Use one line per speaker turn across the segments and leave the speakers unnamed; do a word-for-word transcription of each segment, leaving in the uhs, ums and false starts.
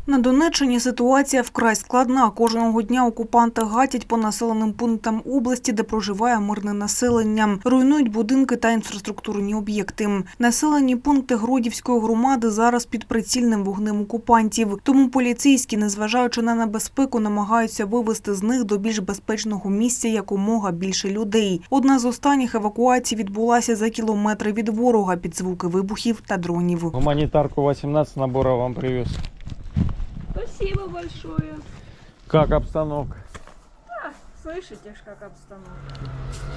На Донеччині ситуація вкрай складна. Кожного дня окупанти гатять по населеним пунктам області, де проживає мирне населення. Руйнують будинки та інфраструктурні об'єкти. Населені пункти Гродівської громади зараз під прицільним вогнем окупантів. Тому поліцейські, незважаючи на небезпеку, намагаються вивезти з них до більш безпечного місця якомога більше людей. Одна з останніх евакуацій відбулася за кілометри від ворога під звуки вибухів та дронів.
Гуманитарку вісімнадцять наборов вам привез.
Спасибо большое.
Как обстановка?
Да, слышите ж, как обстановка.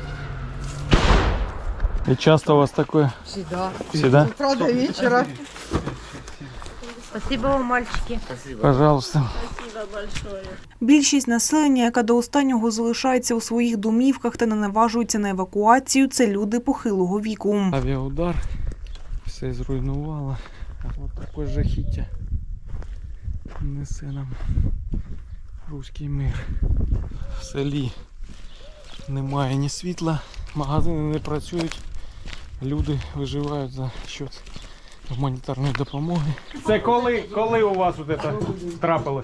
И часто у вас такое?
Всегда.
Всегда?
С утра до вечера.
Спасибо вам, мальчики.
Пожалуйста.
Спасибо большое.
Більшість населення, яка до останнього залишається у своїх домівках та не наважується на евакуацію, це люди похилого віку.
Авіаудар. Все зруйнувало. А от таке жахіття несе нам руський мир. В селі немає ні світла, магазини не працюють, люди виживають за счет гуманітарної допомоги. Це коли, коли у вас от це трапилось?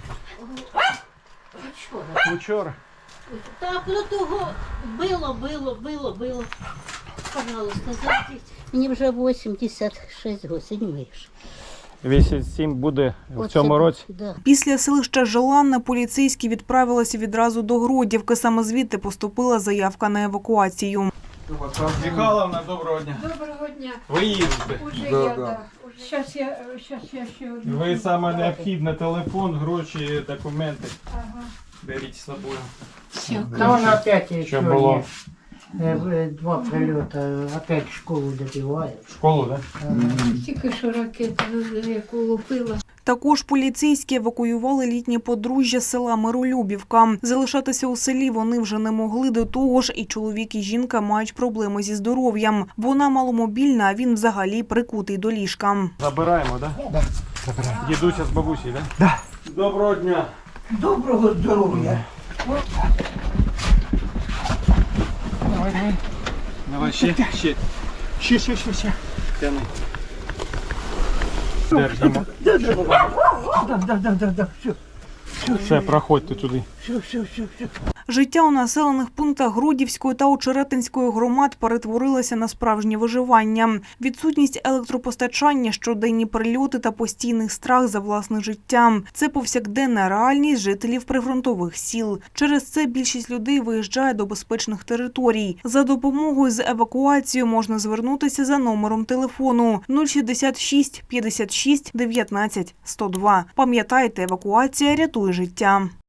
Вчора.
Вчора?
Так, ну того було, було, було, було. Пожалуйста, зайдіть. Мені вже вісімдесят шість років, не вийшло.
вісімдесят сім буде в цьому році?
Да.
Після селища Желанна поліцейські відправилися відразу до Гродівки. Саме звідти поступила заявка на евакуацію.
Михайловна, доброго дня.
Доброго дня.
Ви їздите.
Уже да, я, да. Сейчас я, сейчас я ще одну.
Ви саме необхідне телефон, гроші, документи.
Ага.
Беріть з собою.
Да он опять еще
Що було?
э, два прилета, опять школу добивает.
В школу, так?
Тільки що ракету, яку лупила.
Також поліцейські евакуювали літнє подружжя з села Миролюбівка. Залишатися у селі вони вже не могли, до того ж і чоловік, і жінка мають проблеми зі здоров'ям. Вона маломобільна, а він взагалі прикутий до ліжка.
Забираємо, так? Да? Забираємо. Дідуся з бабусею, так? Да? Да. Доброго дня.
Доброго здоров'я.
Давай, давай. Давай, ще, ще.
Ще, ще, ще, ще.
Тяни. Держимо.
Да, да, да, да, да, да, все.
Все, проходьте туди.
Все, все, все, все.
Життя у населених пунктах Гродівської та Очеретинської громад перетворилося на справжнє виживання. Відсутність електропостачання, щоденні прильоти та постійний страх за власне життя – це повсякденна реальність жителів прифронтових сіл. Через це більшість людей виїжджає до безпечних територій. За допомогою з евакуацією можна звернутися за номером телефону нуль шістдесят шість п'ятдесят шість дев'ятнадцять сто два. Пам'ятайте, евакуація рятує життя.